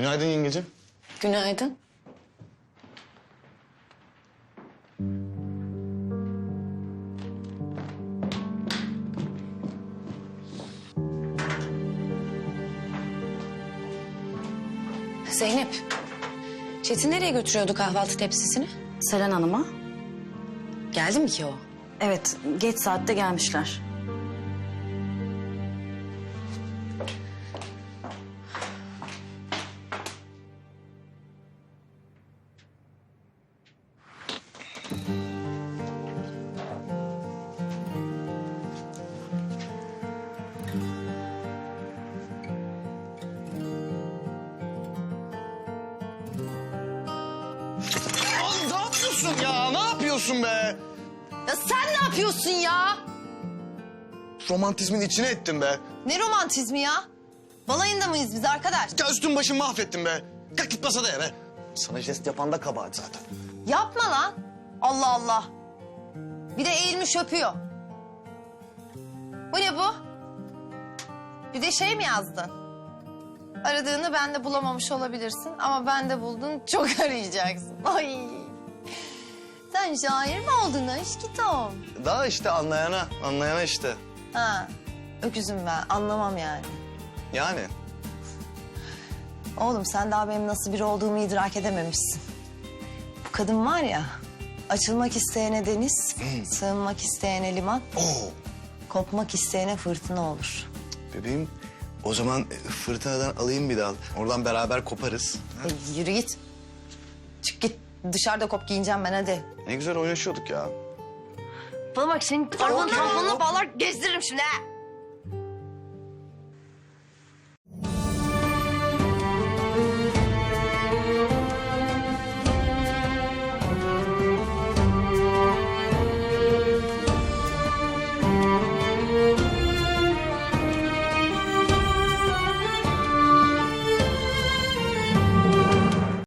Günaydın yengecim. Günaydın. Zeynep, Çetin nereye götürüyordu kahvaltı tepsisini? Selen Hanım'a. Geldi mi ki o? Evet, geç saatte gelmişler. Oğlum ne yapıyorsun ya? Ne yapıyorsun be? Ya sen ne yapıyorsun ya? Romantizmin içine ettin be. Ne romantizmi ya? Balayında mıyız biz arkadaş? Ya üstün başın mahvettin be. Kalk git masada ya be. Sana jest yapan da kabahat zaten. Yapma lan. Allah Allah. Bir de eğilmiş öpüyor. Bu ne bu? Bir de şey mi yazdın? Aradığını bende bulamamış olabilirsin ama bende buldun, çok arayacaksın. Ay. Sen şair mi oldun aşkım? Daha işte anlayana işte. Ha. Öküzüm ben, anlamam yani. Yani. Oğlum sen daha benim nasıl biri olduğumu idrak edememişsin. Bu kadın var ya, açılmak isteyene deniz, sığınmak isteyene liman, Oo. kopmak isteyene fırtına olur. Bebeğim o zaman fırtınadan alayım bir dal. Oradan beraber koparız. Yürü git. Çık git. Dışarıda kop giyineceğim ben hadi. Ne güzel oynaşıyorduk ya. Bana bak senin arabanın tamponuna bağlar gezdiririm şimdi ha.